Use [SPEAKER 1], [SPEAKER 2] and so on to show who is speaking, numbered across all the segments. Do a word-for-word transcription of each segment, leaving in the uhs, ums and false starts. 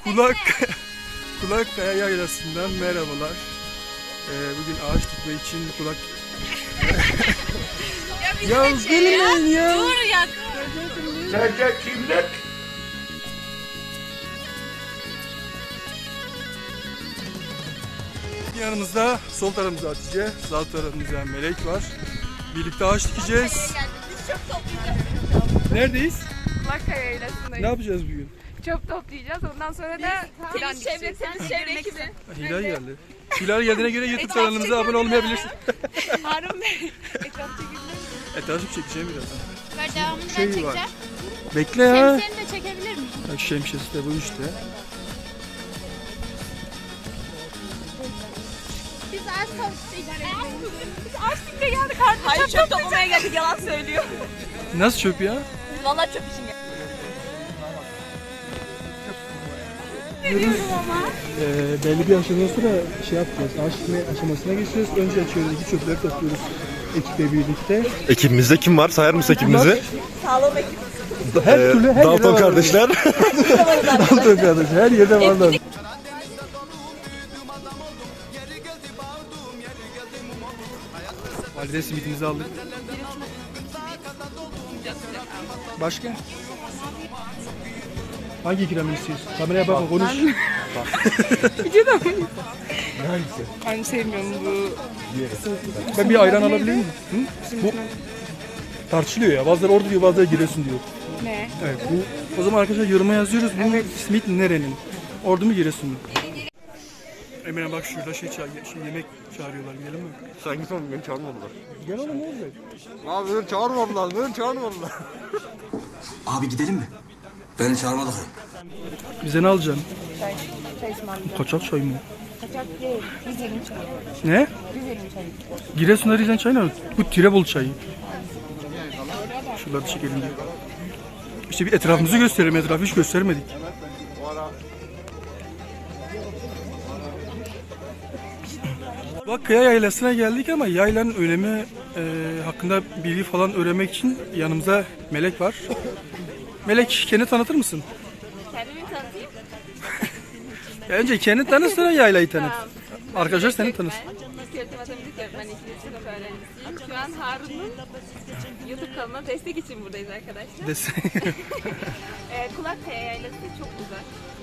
[SPEAKER 1] Kulak Kulak Kaya Yaylası'ndan merhabalar. Ee, bugün ağaç dikme için kulak... ya ya gelmeyin ya. ya.
[SPEAKER 2] Dur ya.
[SPEAKER 3] Sence kimlik?
[SPEAKER 1] Yanımızda sol tarafımızda Hatice, sağ tarafımızda Melek var. Birlikte ağaç dikeceğiz.
[SPEAKER 2] Biz çöp toplayacağız.
[SPEAKER 1] Neredeyiz?
[SPEAKER 2] Kulak Kaya Yaylası'ndayız.
[SPEAKER 1] Ne yapacağız bugün?
[SPEAKER 2] Çöp toplayacağız. Ondan sonra da temiz çevre, temiz çevre ekibi.
[SPEAKER 1] Hilal geldi. Hilal geldiğine göre YouTube kanalımıza abone olmayabilirsin.
[SPEAKER 2] Harun Bey. Etraf çekilir mi?
[SPEAKER 1] Etrafı çekeceğim birazdan.
[SPEAKER 4] Ver devamını
[SPEAKER 1] Şey
[SPEAKER 4] ben çekeceğim.
[SPEAKER 1] var. Bekle ya.
[SPEAKER 4] Şemsiyeni de çekebilir miyim?
[SPEAKER 1] Bak şemsiyesi de bu işte.
[SPEAKER 4] Biz ağaç toplayacağız.
[SPEAKER 2] Biz ağaç dikmeye geldik artık. Hayır çöp toplamaya geldik. Yalan söylüyor.
[SPEAKER 1] Nasıl çöp ya?
[SPEAKER 2] Biz vallahi çöp için geldik.
[SPEAKER 1] Ee, belli bir aşamadan sonra şey yapacağız. Ağaç dikme aşamasına geçiyoruz. Önce çevredeki çöpleri topluyoruz ekiple birlikte.
[SPEAKER 5] Ekibimizde kim var? Sayar mısın ekibimizi?
[SPEAKER 2] Sağlam ekip.
[SPEAKER 1] Her
[SPEAKER 5] Ee,
[SPEAKER 1] türlü her
[SPEAKER 5] Dalton
[SPEAKER 1] yerde
[SPEAKER 5] kardeşler.
[SPEAKER 1] Dalton kardeş her yerde varlar. Valide simitimizi aldık. Başka? Hangi ikramı istiyorsun? Kameraya bakma konuş.
[SPEAKER 2] Ben sevmiyorum bu.
[SPEAKER 1] Ben bir ayran alabilir miyim? Hı? Bu tartışılıyor ya. Bazıları orada diyor, bazıları Giresun diyor.
[SPEAKER 2] Ne?
[SPEAKER 1] Evet. Bu, o zaman arkadaşlar yoruma yazıyoruz. Bu simit nerenin? Ordu mu Giresun mu? Emine bak şurada şey, çağır, şey yemek çağırıyorlar. Gidelim mi?
[SPEAKER 5] Sen git oğlum beni çağırmadılar.
[SPEAKER 1] Gel oğlum ne olacak?
[SPEAKER 5] Abi beni çağırmadılar, beni çağırmadılar.
[SPEAKER 6] Abi gidelim mi? Beni çağırmadılar.
[SPEAKER 1] Bize ne alacaksın?
[SPEAKER 2] Çay. Çay ısmarlayacağım.
[SPEAKER 1] Kaçak çay mı?
[SPEAKER 2] Kaçak değil. Rize'nin çayı.
[SPEAKER 1] Ne?
[SPEAKER 2] Rize'nin çayı.
[SPEAKER 1] Giresun'da Rizen çayı ne? Bu Tirebol çayı. Şuraları çekelim diye. İşte bir etrafımızı gösterelim. Etrafı hiç göstermedik. Bak Kaya Yaylası'na geldik ama yaylanın önemi e, hakkında bilgi falan öğrenmek için yanımızda Melek var. Melek kendini tanıtır mısın?
[SPEAKER 2] Kendimi tanıtayım.
[SPEAKER 1] Önce kendini tanıt sonra yaylayı tanıt.
[SPEAKER 2] Tamam.
[SPEAKER 1] Arkadaşlar seni tanısın.
[SPEAKER 2] Kültür Matematik Öğretmeni ikinci sınıf öğrencisiyim. Şu an Harun'un YouTube kanalına destek için buradayız arkadaşlar.
[SPEAKER 1] Desin.
[SPEAKER 2] Ee, Kulak Kaya Yaylası çok uzak.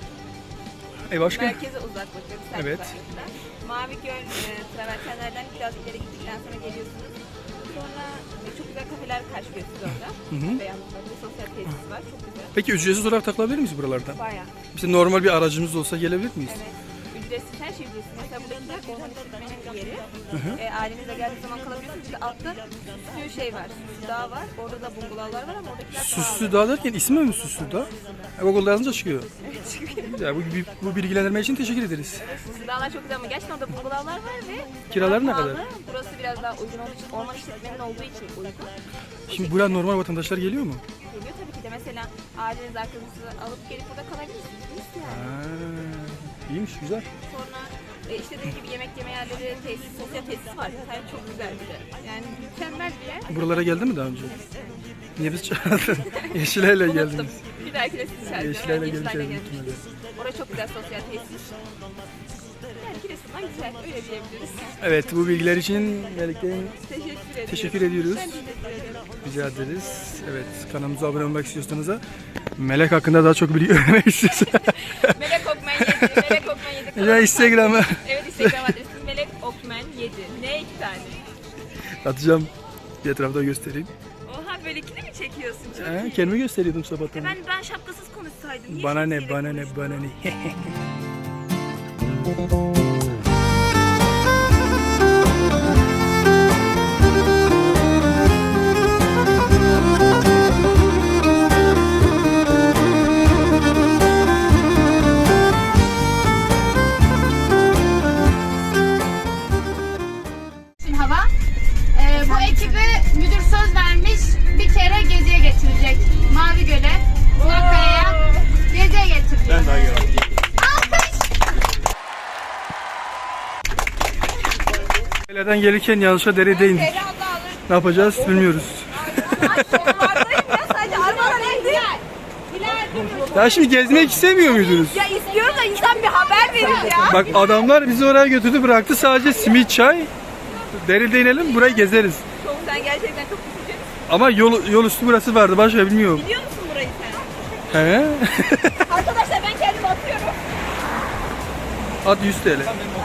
[SPEAKER 1] e başka?
[SPEAKER 2] Merkeze uzak bakın.
[SPEAKER 1] Evet.
[SPEAKER 2] Mavi Göl e, travertenlerden biraz ileri gittikten sonra geliyorsunuz. Sonra e, çok güzel kafeler karşılıyor sizi orada.
[SPEAKER 1] Hı hı.
[SPEAKER 2] Beyazlıklar, bir sosyal tesis var. Çok güzel.
[SPEAKER 1] Peki ücretsiz olarak takılabilir miyiz buralarda?
[SPEAKER 2] Bayağı.
[SPEAKER 1] Bizim normal bir aracımız olsa gelebilir miyiz?
[SPEAKER 2] Evet. Ücretsiz her şey ücretsiz. Mesela buradakiler orman işletmenin bir yeri. E, ailenizle geldiği zaman kalabiliyorsunuz. Bir de altta bir şey var. Süslü Dağ var. Orada da bungalovlar var ama oradakiler
[SPEAKER 1] Süslü Dağ derken ismi mi Süslü Dağ? E, Google'da yazınca çıkıyor. Ya bu, bu bilgilendirme için teşekkür ederiz.
[SPEAKER 2] Süslü Dağlar çok güzel ama gerçekten orada bungalovlar var ve
[SPEAKER 1] Kiraları ne
[SPEAKER 2] pahalı.
[SPEAKER 1] kadar?
[SPEAKER 2] Burası biraz daha uygun olduğu için, orman işletmenin olduğu için uygun.
[SPEAKER 1] Şimdi buraya normal vatandaşlar geliyor mu?
[SPEAKER 2] Geliyor tabii ki de mesela aileniz arkadaşınızı alıp gelip burada kalabilirsiniz yani.
[SPEAKER 1] Ha, iyiymiş, güzel.
[SPEAKER 2] Sonra e, işte dediğim gibi yemek yeme yerleri, tesis, sosyal tesis var. Yani çok güzel bir de. Yani mükemmel bir yer.
[SPEAKER 1] Buralara geldi mi daha önce? Niye biz çağırdın? Yeşilay'la
[SPEAKER 2] Unuttum.
[SPEAKER 1] geldiniz.
[SPEAKER 2] Bir dahaki de sizi çağıracağım.
[SPEAKER 1] Yeşilay'la
[SPEAKER 2] Yani
[SPEAKER 1] geleceğiz
[SPEAKER 2] gelmiştim.
[SPEAKER 1] muhtemelen.
[SPEAKER 2] Orası çok güzel sosyal tesis. Yani Giresun'dan güzel, öyle diyebiliriz.
[SPEAKER 1] Evet, bu bilgiler için Melek'ten
[SPEAKER 2] Teşekkür ediyoruz.
[SPEAKER 1] teşekkür ediyoruz.
[SPEAKER 2] Ben teşekkür ederim.
[SPEAKER 1] Rica ederiz. Evet, kanalımıza abone olmak istiyorsanız da Melek hakkında daha çok bilgi öğrenmek istiyorsanız.
[SPEAKER 2] Melek Okmen yedi. Melek Okmen yedi.
[SPEAKER 1] Ya Instagram'a
[SPEAKER 2] Evet, Instagram adresim Melek Okmen yedi. Ne iki tane?
[SPEAKER 1] atacağım. Bir etrafta göstereyim.
[SPEAKER 2] Oha, böyle ikili mi çekiyorsun? Çok
[SPEAKER 1] He,
[SPEAKER 2] iyi.
[SPEAKER 1] kendimi gösteriyordum sabahtan.
[SPEAKER 2] Ben ben şapkasız konuşsaydım. Niye
[SPEAKER 1] Bana ne,
[SPEAKER 2] şapkayla
[SPEAKER 1] bana ne,
[SPEAKER 2] konuştun?
[SPEAKER 1] bana ne.
[SPEAKER 4] Hava. Ee, bu ekibi müdür söz vermiş, bir kere geziye getirecek. Mavi Göl'e, Kulakaya'ya geziye getirecek. Ben daha geldim. Alkış!
[SPEAKER 1] Nereden gelirken yanlışa derede indik. Ne yapacağız bilmiyoruz.
[SPEAKER 2] Sorulardayım ya, sadece arabalar indi.
[SPEAKER 1] Ya şimdi gezmek istemiyor muydunuz?
[SPEAKER 2] Ya gidiyoruz da insan bir haber verir ya.
[SPEAKER 1] Bak adamlar bizi oraya götürdü bıraktı sadece simit çay. Deril'de inelim burayı gezeriz.
[SPEAKER 2] Çok, sen gerçekten çok üzücü.
[SPEAKER 1] Ama yol, yol üstü burası vardı başka bilmiyorum.
[SPEAKER 2] Biliyor musun burayı sen?
[SPEAKER 1] He?
[SPEAKER 2] Arkadaşlar ben kendimi atıyorum.
[SPEAKER 1] At yüz T L.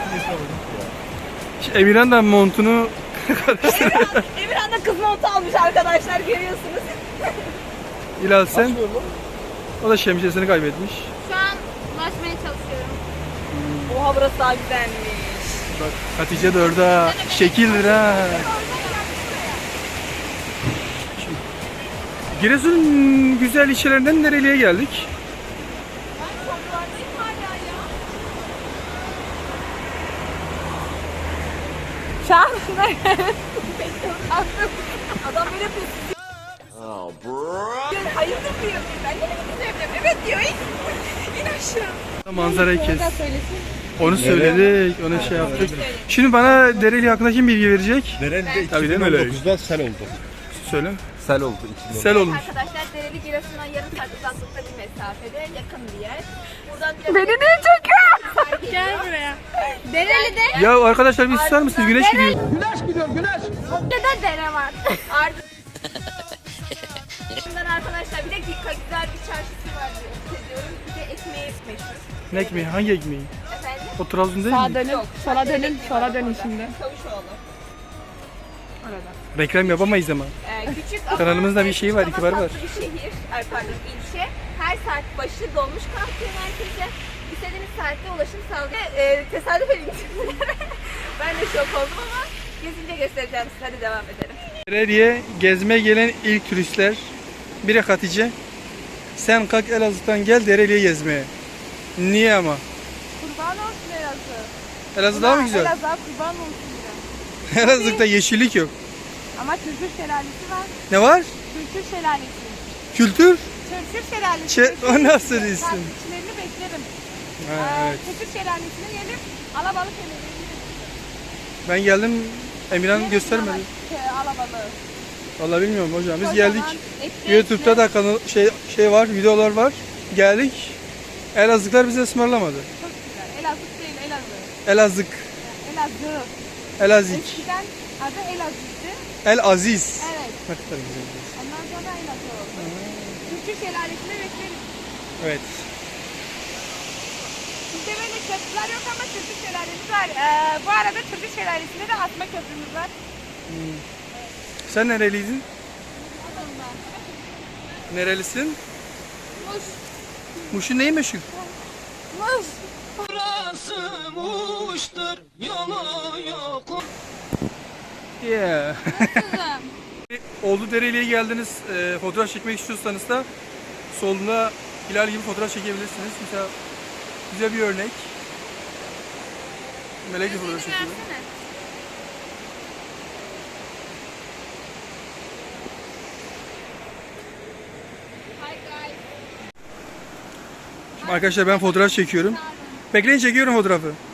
[SPEAKER 1] Şimdi Emirhan da montunu
[SPEAKER 2] Emirhan, Emirhan da kız montu almış arkadaşlar görüyorsunuz.
[SPEAKER 1] Hilal sen. O da şemsiyesini kaybetmiş.
[SPEAKER 4] Şu an ulaşmaya çalışıyorum.
[SPEAKER 2] Oha burası daha güzelmiş.
[SPEAKER 1] Bak Hatice de orada. Şekildir ha. Şimdi, Giresun'un güzel ilçelerinden nereliye geldik?
[SPEAKER 2] Ben sorulardayım hala ya. Şahane. Adam böyle yapıyor. Oh bro. Hayırdır diyor. Ben de gidiyorum. Evet diyor. İn aşağı.
[SPEAKER 1] Manzarayı kes. Onu söyledik, onu şey yaptık. Şimdi bana Dereli hakkında kim bilgi verecek?
[SPEAKER 5] Dereli'de
[SPEAKER 1] Tabii değil mi öyle?
[SPEAKER 5] dokuzda sel oldu.
[SPEAKER 1] Söyle.
[SPEAKER 5] Sel oldu.
[SPEAKER 1] Sel olmuş.
[SPEAKER 2] Arkadaşlar Dereli Giresun'a yarım saat uzaklıkta bir mesafede yakın bir yer. Buradan
[SPEAKER 4] Beni niye çekiyor? Gel buraya. Dereli'de
[SPEAKER 1] Ya arkadaşlar bir susar mısınız? Güneş gidiyor.
[SPEAKER 4] de dere var.
[SPEAKER 2] artık Bundan arkadaşlar bir de güzel bir çarşısı var diyorum. Bir de ekmeği meşhur.
[SPEAKER 1] Ne ekmeği? Hangi ekmeği?
[SPEAKER 2] Efendim?
[SPEAKER 1] O Trabzon değil mi?
[SPEAKER 7] Dönün, sola dönün, sola dönün şimdi.
[SPEAKER 2] Çavuşoğlu.
[SPEAKER 1] Reklam yapamayız ama.
[SPEAKER 2] Ee, küçük ama
[SPEAKER 1] Kanalımızda bir şey var,
[SPEAKER 2] küçük
[SPEAKER 1] itibarı
[SPEAKER 2] ama
[SPEAKER 1] var.
[SPEAKER 2] tatlı bir şehir, ay pardon ilçe. Her saat başı dolmuş kalkıyor merkeze. İstediğiniz saatte ulaşım sağlıyor. Ee, tesadüf edin. Ben de şok oldum ama gezince göstereceğim size. Hadi devam edelim.
[SPEAKER 1] Dereli'ye gezmeye gelen ilk turistler. Biri Hatice. Sen kalk Elazığ'dan gel Dereli'ye gezmeye. Niye ama?
[SPEAKER 7] Kurban olsun Elazığ.
[SPEAKER 1] Elazığ daha mı güzel?
[SPEAKER 7] Elazığ'a kurban olsun biraz.
[SPEAKER 1] Elazığ'da yeşillik yok.
[SPEAKER 7] Ama Türkür şelalesi var.
[SPEAKER 1] Ne var?
[SPEAKER 7] Türkür şelalesi.
[SPEAKER 1] Kültür.
[SPEAKER 7] Türkür şelalesi.
[SPEAKER 1] Çe- o nasıl isim?
[SPEAKER 7] Takipçilerini beklerim.
[SPEAKER 1] Ha,
[SPEAKER 7] Ee,
[SPEAKER 1] evet.
[SPEAKER 7] Türkür şelalesine gelip alabalık yemeğini
[SPEAKER 1] Ben geldim. Emirhan göstermedi.
[SPEAKER 7] alabalığı.
[SPEAKER 1] Vallahi bilmiyorum hocam. Biz
[SPEAKER 7] Kocaman
[SPEAKER 1] geldik.
[SPEAKER 7] etli
[SPEAKER 1] YouTube'da da kanal şey şey var, videolar var. Geldik. Elazığlar bize ısmarlamadı.
[SPEAKER 7] Çok güzel. Elazığ değil Elazığ.
[SPEAKER 1] Elazığ,
[SPEAKER 7] Elazığ.
[SPEAKER 1] Elazik,
[SPEAKER 7] Eskiden adı Elazığ'dı.
[SPEAKER 1] El Aziz.
[SPEAKER 7] Evet.
[SPEAKER 1] Ne kadar güzel.
[SPEAKER 7] Ondan sonra Elazığ oldu. Türkür şelalesine bekleriz.
[SPEAKER 1] Evet.
[SPEAKER 7] Bizde böyle köprüler yok ama Türkür şelalesi var. Ee, bu arada Türkür şelalesinde de asma köprümüz var.
[SPEAKER 1] Sen nereliydin? Nerelisin?
[SPEAKER 7] Muş.
[SPEAKER 1] Muş'un neyi meşhur?
[SPEAKER 7] Muş.
[SPEAKER 1] Yeah. Oldu Dereli'ye geldiniz. E, fotoğraf çekmek istiyorsanız da solunda Hilal gibi fotoğraf çekebilirsiniz. Mesela güzel bir örnek. Melek gibi fotoğraf çekiyor. Şimdi arkadaşlar ben fotoğraf çekiyorum. Bekleyin çekiyorum fotoğrafı.